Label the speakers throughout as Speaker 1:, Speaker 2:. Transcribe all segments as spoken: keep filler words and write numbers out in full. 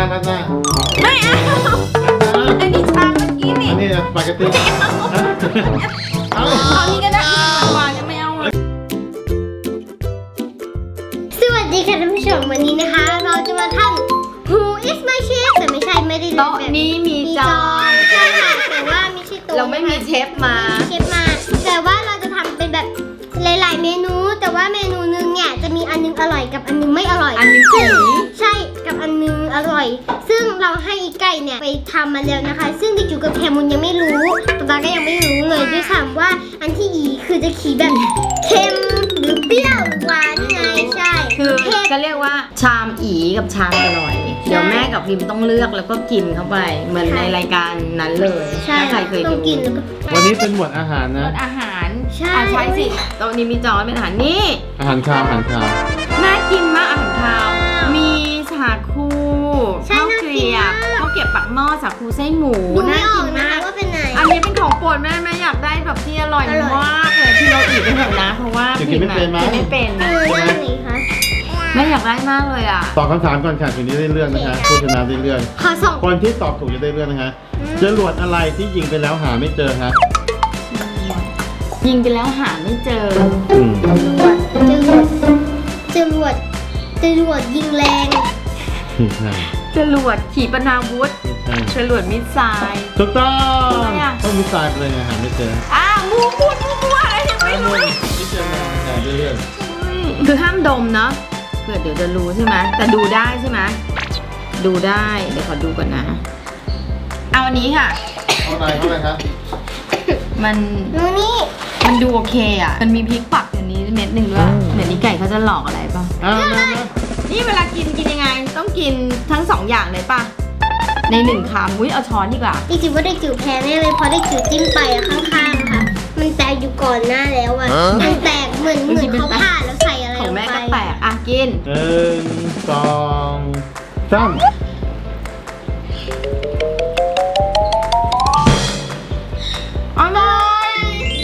Speaker 1: ราดหน้า
Speaker 2: ไม่เอาอันนี้ชาเมื่อกี้นี่
Speaker 1: อันนี้สปาเกตตี้เอา
Speaker 2: เอานี้ก็ได้หวานยังไม่เอาเลย
Speaker 3: สวัสดีค่ะท่านผู้ชมวันนี้นะคะเราจะมาทำ Who is my chef แต่ไม่ใช่ไม่ได้
Speaker 2: โต๊ะนี้มีจาน
Speaker 3: ใช่ค่ะแต่ว่าไม่ใช่โต๊ะ
Speaker 2: เราไม่มีเชฟมา
Speaker 3: เชฟมาแต่ว่าเราจะทำเป็นแบบหลายๆเมนูแต่ว่าเมนูนึงเนี่ยจะมีอันนึงอร่อยกับอันนึงไม่อร่อย
Speaker 2: อันนึงสี
Speaker 3: ใช่กับอันนึงอร่อยซึ่งเราให้อีไก่เนี่ยไปทำมาแล้วนะคะซึ่งดิจูกับแคมุนยังไม่รู้ป๊าป๊าก็ยังไม่รู้เลยด้วยซ้ำว่าอันที่อีคือจะขี่แบบเค็มหรือเปรี้ยวหรือหวานไงใช่
Speaker 2: คือก็เรียกว่าชามอีกับชามอร่อยเดี๋ยวแม่กับพิมต้องเลือกแล้วก็กินเข้าไปเหมือนในรายการนั้นเลยถ้าใครเคยดู
Speaker 1: วันนี้เป็นหมวดอาหารนะ
Speaker 2: หมวดอาหารใช่ใช่สิโต๊ะนี้มีจอเป็นอาหารนี่
Speaker 1: อาหารคาวอาหารคาว
Speaker 2: น่ากินมากอาหารคาวมีสาคูข้าวเกลียบข้าวเกลียบปักหม้อสาคูไส้หมูน่ากินมาก
Speaker 3: ว่าเป็นไหน
Speaker 2: อันนี้เป็นของโปรดแม่แม่อยากได้แบบที่อร่อยมากเลยที่เราอีกเป็นแบบนะเพราะว่า
Speaker 1: กินไม่เป็น
Speaker 2: กินไม่เป็น
Speaker 3: เออนั่นนี่คะ
Speaker 2: แม่อยากได้มากเลยอ่ะ
Speaker 1: ตอบคำถามก่อนค่ะถึงนี้ได้เรื่องนะคะผู้ชนะได้เรื่องคนที่ตอบถูกจะได้เรื่องนะคะจรวดอะไรที่ยิงไปแล้วหาไม่เจอฮะ
Speaker 2: ยิงไปแล้วหาไม่เจอ
Speaker 3: จรวดจรวดจรวดยิงแรง
Speaker 2: จรวดขีปนาวุธจรวดมิสไซล์
Speaker 1: ถูกต้องต้องมิสไซล์เลยหาไม่เจอ
Speaker 2: อ้าวมูพูดมูอะไรยังไม่รู้
Speaker 1: ไม่เจอมาเรื่อย
Speaker 2: ๆคือห้ามดมเนาะเผื่อเดี๋ยวจะรู้ใช่ไหมแต่ดูได้ใช่ไหมดูได้เดี๋ยวขอดูก่อนนะเอาอันนี้ค่ะ
Speaker 1: เอาอะไรเข้าไปครับ
Speaker 2: มัน
Speaker 3: นูนี่
Speaker 2: มันดูโอเคอ่ะมันมีพริกปักอย่างนี้เม็ดหนึ่งด้วยเหมือนนี้ไก่เขาจะหลอกอะไรป่ะนี่เวลากินกินยังไงต้องกินทั้งสองอย่างเลยป่ะในหนึ่งคำอุ้ยเอาช้อนดีกว่า
Speaker 3: จริงๆว่าได้จิ๋วแพ้แน่เลยเพราะได้จิ๋วจิ้มไปอะข้างๆค่ะมันแตกอยู่ก่อนหน้าแล้วอะมันแตกเหมือนเหมือนเขาผ่าแล้วใส่อะไร
Speaker 2: ของแม่ก็แตกอ่ะกิน
Speaker 1: หนึ่งสองสาม
Speaker 2: อร่อย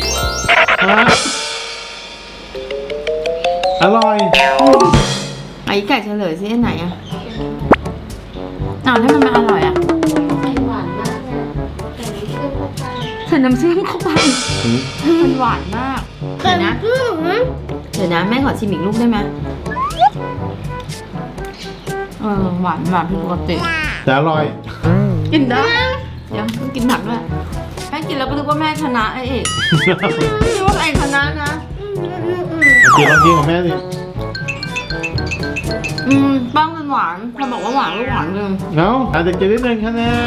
Speaker 1: อร่อย
Speaker 2: ไอ้ไก่เฉลยซิอันไหนอ่ะอ้าวถ้ามันมาอร่อยอ่ะหวานมากนะใส่น้ำเชื่อมเข้าไปมันหวานมากเดี๋ยวนะเดี๋ยวนะแม่ขอชิมอีกลูกได้ไหมเออหวานหวานผิดปกติ
Speaker 1: แต่อร่อย
Speaker 2: กินได้เดี๋ยวต้องกินผักด้วยแม่กินแล้วก็รู้ว่าแม่ชนะไอ้เอกไม่รู้ว่าไอ้ชนะนะ
Speaker 1: กินลองกินของแม่สิ
Speaker 2: อืมบ้างมันหวานพอบอกว่าหวานก็หวานเลย
Speaker 1: เนาะอาจจะกินนิดนึงคะแนน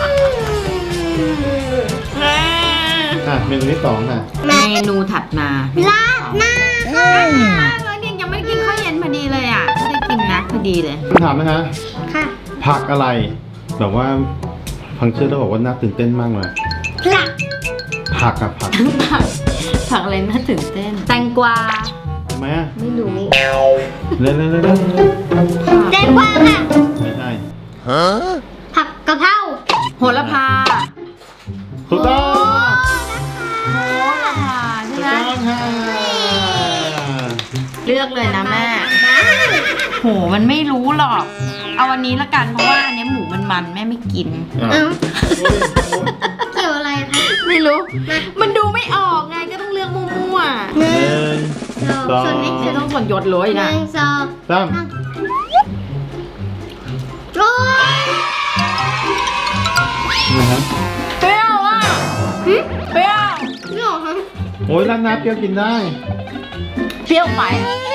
Speaker 1: อ่ะเมนูที่สองค่ะ
Speaker 2: เมนูถัดมา
Speaker 3: ลาดหน้า
Speaker 2: ค่ะแล้วเนี่ยยังไม่ได้กินข้าวเย็นพอดีเลยอ่ะไม่ได้กินนะพอดีเลย
Speaker 1: ถามนะคะ
Speaker 3: ค่ะ
Speaker 1: ผักอะไรแบบว่าฟังชื่อแล้วบอกว่าน่าตื่นเต้นมากเลย
Speaker 3: ผัก
Speaker 1: ผักกับผัก
Speaker 2: ผักผักอะไรน่าตื่นเต้นแตงกวา
Speaker 1: ทำไมอ่ะ
Speaker 2: ไม่รู้
Speaker 1: เล่นเล่นเล่น
Speaker 3: แตงกวาค่ะ
Speaker 1: ไม่ใช่
Speaker 3: ผักกะเพรา
Speaker 2: โหระพา
Speaker 1: ถูกต้อง
Speaker 2: โหระพาใช่ไหมเลือกเลยนะแม่โหมันไม่รู้หรอกเอาวันนี้ละกันเพราะว่าอันนี้หมูมันมันแม่ไม่กิน
Speaker 3: เกี่ยวอะไรคะ
Speaker 2: ไม่รู้มันดูไม่ออกไงก็ต้องเลือกมั่ว
Speaker 1: ๆหนึ่งสอง
Speaker 2: ไม่ต้องส่วนยศเลยนะ
Speaker 3: หนึ่งสอง
Speaker 1: สาม
Speaker 3: โอ้ย
Speaker 2: เปรี้ยวอ่ะเปรี้ยว
Speaker 3: เปรี้ยวฮะ
Speaker 1: โอ้ยร้านน้ำเปรี้ยวกินได้
Speaker 2: เปรี้ยวไป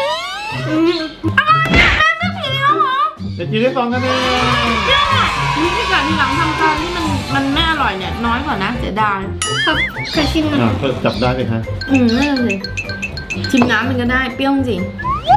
Speaker 1: แต่กินได้สองกันเอง
Speaker 2: นี่ที่ก่อนที่หลังทำตอนที่มันมันไม่อร่อยเนี่ยน้อยกว่านะเสียดาย
Speaker 3: เคยชิม
Speaker 1: อ่ะก็จับได้เลยฮะ
Speaker 2: อืมนั่นเลยชิมน้ำมันก็ได้เปรี้ยวจริง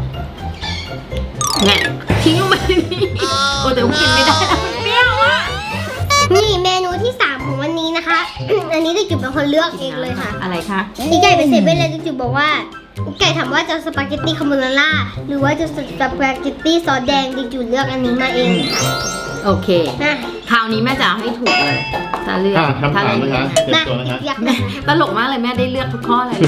Speaker 2: เนี่ยทิ้งลงไปนี่โอ้แต่ผมกินไม่ได้มันเปรี้ยวอ่ะ
Speaker 3: นี่เมนูที่สามของวันนี้นะคะอันนี้ดิจุเป็นคนเลือกเองเลยค่ะ
Speaker 2: อะไรคะ
Speaker 3: อีไก่เป็นเซเว่นเลยดิจุบอกว่าไก่ถามว่าจะสปาเกตตี้คาโบนาร่าหรือว่าจะสปาเกตตี้ซอสแดงดิจูเลือกอันนี้มาเอง
Speaker 2: โอเคคราวนี้แม่จะเอาให้ถูกเลยจะเลือก
Speaker 1: คำถามนะคะเตรียมตัวนะคะ
Speaker 2: แม่ตลกมากเลยแม่ได้เลือกทุกข้อเลย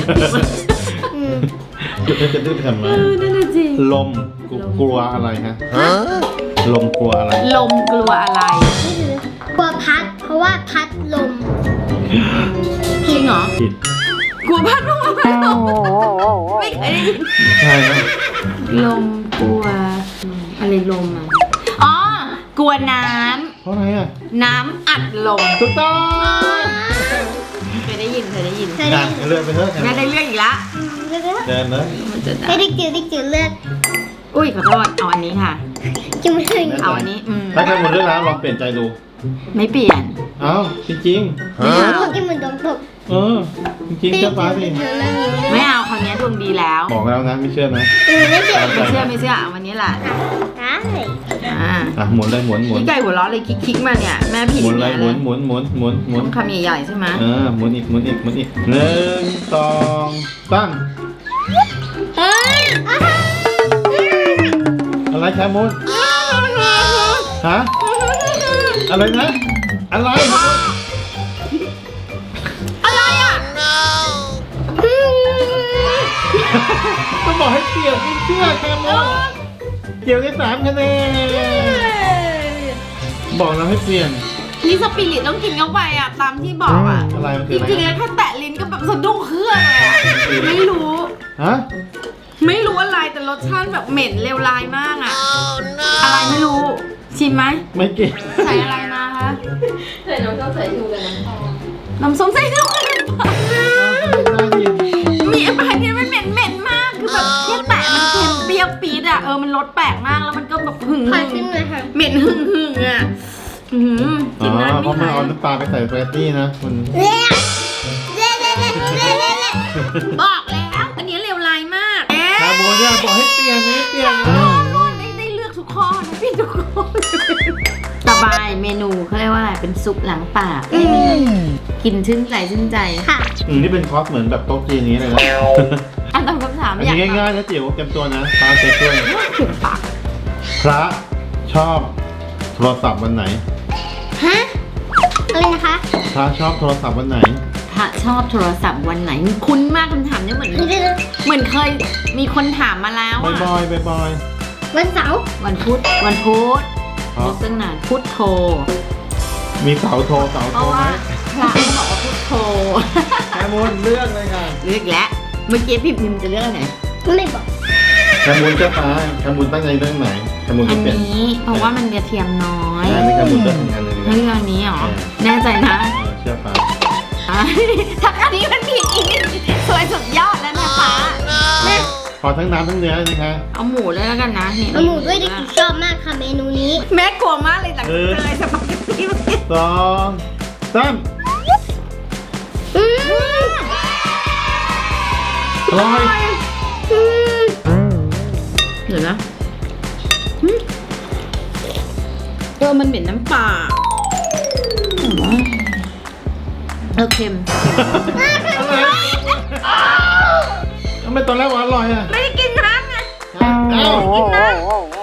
Speaker 1: จะจะดื้อไปทำไม
Speaker 2: นั่นแหละจริง
Speaker 1: ลมกลัวอะไรฮะลมกลัวอะไร
Speaker 2: ลมกลัวอะไร
Speaker 3: นี่คือกลัวพัด เพราะว่าพัดลม
Speaker 2: จริงเหรอ
Speaker 1: ผิด
Speaker 2: กลัวพัดลมพัดลมไม่เคยได้ยิน
Speaker 1: ใช่ไหม
Speaker 2: ลมกลัวอะไรลมอ่ะอ๋อกลัวน้
Speaker 1: เพราะอะไรอ่ะ
Speaker 2: ำน้ำอัดลม
Speaker 1: ถูกต้อง
Speaker 2: เคยได้ยินเคยได้ยิน
Speaker 3: เคยได้
Speaker 1: อ่ะ
Speaker 3: ยิน
Speaker 1: เลือกไปเถอะ
Speaker 2: แม่ได้เรื่องอีกละ
Speaker 3: อืมเลือกเลย
Speaker 1: เดินเลย
Speaker 2: มันจะได้
Speaker 3: ให้ดิกจิ๋วดิกจิ๋วเลือก
Speaker 2: อุ้ยขอโทษเอาอันนี้ค่ะ
Speaker 3: จิ๋วไม่ถึง
Speaker 2: เอาอันนี้อืม
Speaker 1: ถ้าใครหมดเรื่องแล้วลองเปลี่ยนใจดู
Speaker 2: ไม่เปลี่ยน
Speaker 1: เอ้าจริง
Speaker 2: ไม่เอา
Speaker 3: พวกกินเหมือนโดนตก
Speaker 1: ๆเออจริงๆเชื่อฟ้าสิ
Speaker 3: เธอเรื่องนี้
Speaker 2: ไม่เอาคราวนี้ดวงดีแล้ว
Speaker 1: บอกแล้วนะไม่เชื่อนะ
Speaker 3: อืมไม่เชื่อ
Speaker 2: ไม่เชื่อไม่เชื่อเอาวันนี้แหละ
Speaker 3: ได้
Speaker 2: อ่า
Speaker 1: อ่ะหมุนเลยหมุนหมุน
Speaker 2: พี่ไก่หัวเราะเลยคิกๆมาเนี่ยแม่ผิด
Speaker 1: หมุนเลย
Speaker 2: แน่
Speaker 1: หมุนหมุนหมุนหมุนหมุน
Speaker 2: ต้องคำใหญ่ๆใช่ไหม
Speaker 1: เออหมุนอีกหมุนอีกหมุนอีกหนึ่งสองสาม
Speaker 3: เฮ้ย
Speaker 1: อะไรแคมุนฮะอะไรนะอะไร
Speaker 2: อะไรอ่ะ
Speaker 1: ก็บอกให้เปลี่ยนไม่เชื่อแคมุนเกี่ยวได้สามคะแนนบอกเราให้เปลี่ยน
Speaker 2: นี่สปิริตต้องกินเข้าไปอ่ะตามที่บอกอ่ะ
Speaker 1: อะไรมัน
Speaker 2: จ
Speaker 1: คืออะไร
Speaker 2: ริงๆแล้วแค่แตะลิ้นก็แบบสะดุ้งเครื่องเลยอ่ะไม่รู้
Speaker 1: ฮะ
Speaker 2: ไม่รู้อะไรแต่รสชาติแบบเหม็นเลวร้ายมากอ่ะอะไรไม่รู้ชิมไหม
Speaker 1: ไม่เก่ง
Speaker 2: ใส่อะไรมาคะ
Speaker 4: ใส่น้ำส้มสายชูกับน้ำตาล
Speaker 2: น้ำส้มสายชูกับน้ำปลามีอะไรเนี่ยมันเหม็นเหม็นมากคือแบบแค่แตะมันเค็มเปรี้ยวปี๊ดอ่ะเออมันรสแปลกมากแล้วมันก็แบบหึ่ง
Speaker 3: ขอ
Speaker 2: หึ่ง
Speaker 3: ชิมหน่อยค่ะ
Speaker 2: เหม็นหึ่งหึ่งอ่ะอื้อหือ
Speaker 1: อ๋
Speaker 2: กินได้
Speaker 1: อเพ
Speaker 2: ไม่
Speaker 1: ราะมัน
Speaker 2: หาย
Speaker 1: เอาน้ำปลาไปใส่เฟรชนี่นะคุณ
Speaker 3: เละเละเละเละเละเละเละ
Speaker 2: บอกแล้วอันนี้เลวร้ายมากเอ๊ะ
Speaker 1: คาโบเนี่ยบอกให้เปลี่ยนไม่เปลี่ยน
Speaker 2: นู่นได้ได้เลือกทุกข้อนะพี่ทุกข้อสบายเมนูเขาเรียกว่าอะไรเป็นซุปล้างปากให้มันกินชื่นใจชื่นใจ
Speaker 3: ค่ะ
Speaker 1: อืมนี่เป็นคอร์สเหมือนแบบโต๊ะจีนนี้เลยนะ
Speaker 2: อันตามคำถาม
Speaker 1: อัน
Speaker 2: อยาก
Speaker 1: นี้ง่ายๆนะจิ๋วเตรียมตัวนะตามเซ็ตด้วย
Speaker 2: เข็มปาก
Speaker 1: พระชอบโทรศัพท์วันไหน
Speaker 3: ฮะ อะไรนะคะ
Speaker 1: พระชอบโทรศัพท์วันไหน
Speaker 2: พระชอบโทรศัพท์วันไหนคุ้นมากคำถามเนี่ยเหมือน
Speaker 3: เดี๋ยว
Speaker 2: เหมือนเคยมีคนถามมาแล้ว
Speaker 1: บ่อย
Speaker 2: อะ
Speaker 1: บ่อยบ่อยบ่อย
Speaker 3: ๆวันเสาร์
Speaker 2: วันพุธวันพุธ
Speaker 1: เพราะ
Speaker 2: ยกตั้งนานพุธโทร
Speaker 1: มีเสาโทรเสา
Speaker 2: เพ
Speaker 1: โทร
Speaker 2: ราะ
Speaker 1: ไหม
Speaker 2: ว่าพระเขาบอกว่าพุธโทร
Speaker 1: แคมูลเลือกเลยค่ะ
Speaker 2: เลือกแล้วเมื่อกี้พิมพ์พิมพ์จะเลือกอันไหน
Speaker 3: ไม่บอก
Speaker 1: แคมูลเจ้าฟ้าแคมูลตั้งใจเรื่องไหนแคมูล
Speaker 2: อั
Speaker 1: จะ
Speaker 2: น
Speaker 1: เปลี่ยน
Speaker 2: นี้เพราะว่ามันกระเทียมน้อย
Speaker 1: อันนี้แคมูลเลือกงานเลย
Speaker 2: เลือกอันนี้เหรอแน่ใจนะ
Speaker 1: เออเชื่อฟ้า
Speaker 2: ถ้าอันนี้มันผิดอีกสวยสุดยอดแล้วนะคะ
Speaker 1: ขอทั้งน้ำทั้งเนื้อเลยนะคะ
Speaker 2: เอาหมูเลยแล้วกันนะนี่
Speaker 3: เอาหมูด้วยดิจิชอบมากค่ะเมนูนี้
Speaker 2: แม่กลัวมากเลยหลังจากเลยสปาเกตตี้
Speaker 1: สองสาม
Speaker 3: อืม
Speaker 1: อร่อย
Speaker 3: อืม
Speaker 2: เดี๋ยวนะหึเออมันเหม็นน้ำปลาเออเค็ม
Speaker 1: อะไรทำไมตอนแรกว่าอร่อยอ่ะ
Speaker 2: ไม่ได้กินน้ำไง
Speaker 1: เอ้า
Speaker 2: กินน้ำ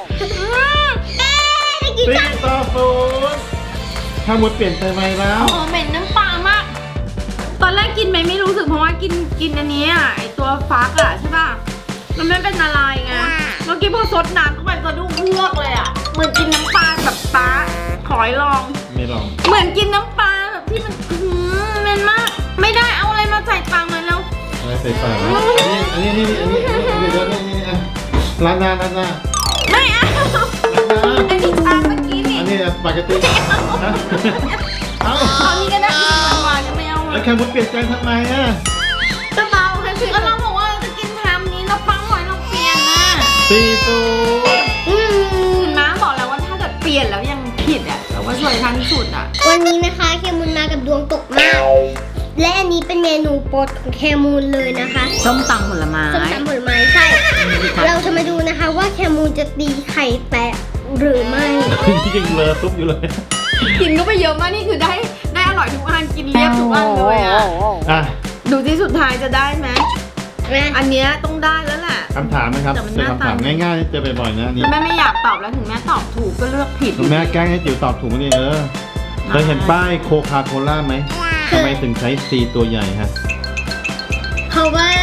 Speaker 1: สี่ต่อศูนย์ถ้ามุดเปลี่ยนไปไหมแล้ว
Speaker 2: โอ้เหม็นน้ำปลามาก ตอนแรกกินไหมไม่รู้สึกเพราะว่ากินกินอันนี้อ่ะไอตัวฟักอ่ะใช่ป่ะมันไม่เป็นอะไรไงเมื่อกี้พอซดน้ำเข้าไปสะดุ้งเพือกเลยอ่ะเหมือนกินน้ำปลาแบบปลาขอให้ลอง
Speaker 1: ไม่ลอง
Speaker 2: เหมือนกินน้ำปลาแบบที่มันอื้อหือเหม็นมาก ไม่ได้เอาอะไรมาใส่ปากเลยแล้ว
Speaker 1: อะไรใส่ปากนะอันนี้อันนี้อันนี้อันนี้อันนี้เดี๋ยวนี่นี่อ่ะร้านหน้าร้านหน้า
Speaker 2: ไม่เอา
Speaker 1: ร้านหน้า
Speaker 2: อันนี้ชาเมื่อกี้นี่
Speaker 1: อันนี้สปาเกตตี้ฮะเอ้า
Speaker 2: เอานี้ก็ได้กินหวานๆจะไม่เอาเล
Speaker 1: แล้
Speaker 2: ยว
Speaker 1: แคมุดเปลี่ยนใจทำไมอ่ะ
Speaker 2: ก็เบาแค่คือก็เราบอกว่าเราจะกินทำนี้เราฟังหน่อยเราเปลี่ยนนะ
Speaker 1: สี่ศูนย์
Speaker 3: อืม
Speaker 2: น้าบอกแล้วว่าถ้าเกิดเปลี่ยนแล้วยังผิดอ่ะเราก็ช่วยทันสุดอ่ะ
Speaker 3: วันนี้นะคะเคมูลมากับดวงตกมาก และอันนี้เป็นเมนูโปรดของเคมูลเลยนะคะ
Speaker 2: ส้มตำผลไม้
Speaker 3: ส้มตำผลไม้ใช่ เราจะมาดูนะคะว่าเคมูลจะตีไข่แตกหรือไม่
Speaker 1: ยังเลอะซุปอยู่เลย
Speaker 2: กินก็ไปเยอะมากนี่คือได้ได้อร่อยทุกอันกินเรียบทุกอันเลยอ่ะ
Speaker 1: อ่ะ
Speaker 2: ดูที่สุดท้ายจะได้ไหม
Speaker 3: นะ
Speaker 2: อันเนี้ยต้องได้แล้วแหละ
Speaker 1: คำถามนะครับ
Speaker 2: แต่มัน
Speaker 1: เป็น
Speaker 2: หน้า
Speaker 1: คำถาม
Speaker 2: ตา
Speaker 1: ง่ายๆที่เจอบ่อยๆนะอันนี่
Speaker 2: แต่แม่ไม่อยากตอบแล้วถึงแม่ตอบถูกก็เลือกผิด
Speaker 1: คุณแม่แกล้งให้จิ๋วตอบถูกนี่เออเคยเห็นป้ายโคคาโคล่าไหมทำไมถึงใช้ C ตัวใหญ่ฮะ
Speaker 3: เพราะว่า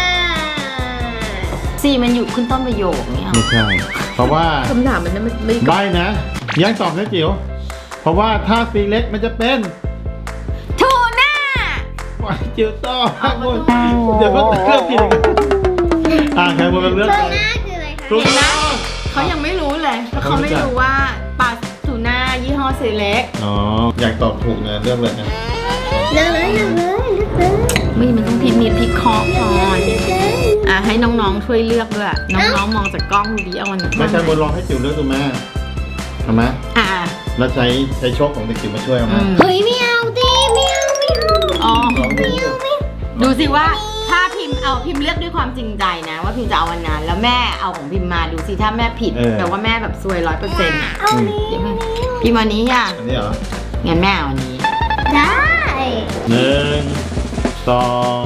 Speaker 2: ซีมันอยู่ขึ้นต้นประโยคเนี่ย
Speaker 1: ไม่ใช่ เพราะว่า
Speaker 2: คำถามมันไม่ไม่
Speaker 1: ใบนะยังตอบนะจิ๋วเพราะว่าถ้าสีเล็กมันจะเป็น
Speaker 2: ทูน่า
Speaker 1: ปล่อยจิ๋วต่อข้างบนเดี๋ยวก็เลือกผิดอีกอ่าแคมูนเป็นเลือก
Speaker 3: เบอ
Speaker 1: ก่อ
Speaker 3: ร์
Speaker 1: น
Speaker 3: หน้าคืออะไรคะ
Speaker 1: ถูกต้อง
Speaker 2: เขายังไม่รู้เลยเพราะเขาไม่รู้ว่าปลาทูน่ายี่ห้อเซเล็ก
Speaker 1: อ๋ออยากตอบถูกนะเลือกเลยนะ
Speaker 3: เลือกเลยเลือกเลยเลือกเลย
Speaker 2: ไม่มันต้องพิมพ์นิดพิเคราะห์ก่อน
Speaker 3: เลือกเลย
Speaker 2: อ่ะให้น้องๆช่วยเลือกด้วยน้องๆมองจากกล้องดูดิเอาอันไหน
Speaker 1: ไม่ใช่บนลองให้จิ๋วเลือกดูแม่ทำไหม
Speaker 2: อ่ะ
Speaker 1: แล้วใช้ใช้โชคของเด็กจิ๋วมาช่วยเอาไหม
Speaker 2: อืม
Speaker 3: เฮ้ยไม่เอาดิไม่เอาไม่เอา
Speaker 2: อ๋อ
Speaker 1: ลองดู
Speaker 2: ดูสิว่าถ้าพิมพ์เอาพิมพ์เลือกด้วยความจริงใจนะ ว่าพิมพ์จะเอาวันนั้นแล้วแม่เอาของพิมพ์มาดูสิถ้าแม่ผิดแปลว่าแม่แบบซวยร้อยเปอร์เซ็นต์อ่ะ
Speaker 3: เอานี้
Speaker 2: เดี๋ยวแม่พิมพ์วันนี้อ่ะ
Speaker 1: อันนี้เหรอ
Speaker 2: งั้นแม่เอาอันนี้
Speaker 3: ได้
Speaker 1: หนึ่งสอง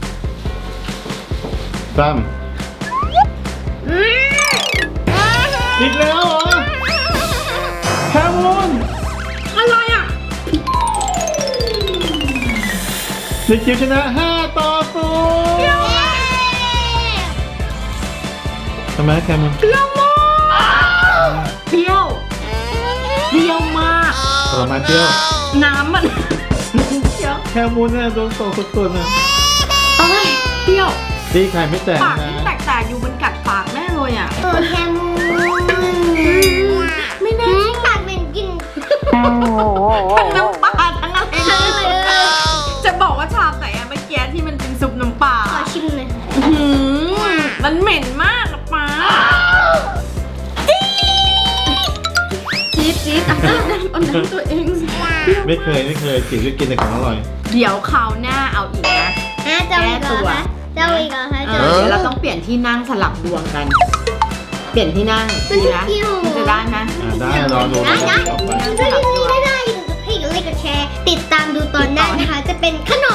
Speaker 1: สาม
Speaker 3: อืม
Speaker 1: อีกแล้วเหรอแคมูน
Speaker 2: อะไรอ่ะ
Speaker 1: เด็กจิ๋วชนะห้าต่อศูนย์ทำไมแคมูน
Speaker 2: เปรี้ยวมากเปรี้ยวเปรี้ยวมาก
Speaker 1: ผลไม้เปรี้ยว
Speaker 2: น้ำมันเปรี้ยว
Speaker 1: แคมูนเนี่ยโดนโตสุดๆนะ
Speaker 2: เอ้ยเปรี้ยว
Speaker 1: ตีไข่ไม่แตก
Speaker 2: ปาก
Speaker 1: นะ
Speaker 2: ที่แตกๆอยู่บนกัดปากแม่เลยอ่ะ
Speaker 3: เออแคมูน
Speaker 2: ไม่น่า
Speaker 3: อืมปากเป็นกลิน
Speaker 2: ทั้งน้ำปลาทั้งอะไร
Speaker 3: ทั้งอะไรเลย
Speaker 2: จะบอกว่าชามไหนอะเมื่อกี้ที่มันเป็นซุปน้ำปลา
Speaker 3: ขอชิมหน่อย
Speaker 2: อื้อหือมันเหม็นมากอะป้าจี๊ดจี๊ดอ่ะเอาน้ำเอาน้ำตัวเองสิ
Speaker 1: ไม่เคยไม่เคยจิ๋วจะกินแต่ของอร่อย
Speaker 2: เดี๋ยวคราวหน้าเอาอีกนะ
Speaker 3: อ่ะเจ้าอีกเหรอคะเจ้าอีกเหรอคะ
Speaker 2: เอ
Speaker 3: เจ้า
Speaker 2: อ
Speaker 3: อีก
Speaker 2: เดี๋ยวเราต้องเปลี่ยนที่นั่งสลับดวงกัน เปลี่ยนที่นั่งดีนะมันจะได้ไหม
Speaker 1: อ่าได้รอดู
Speaker 3: ได้ได้
Speaker 1: ต่อไป
Speaker 3: ได้ได้ได้ได้ให้กดไลค์กดแชร์ ติดตามดูตอนหน้านะคะ จะเป็นขนม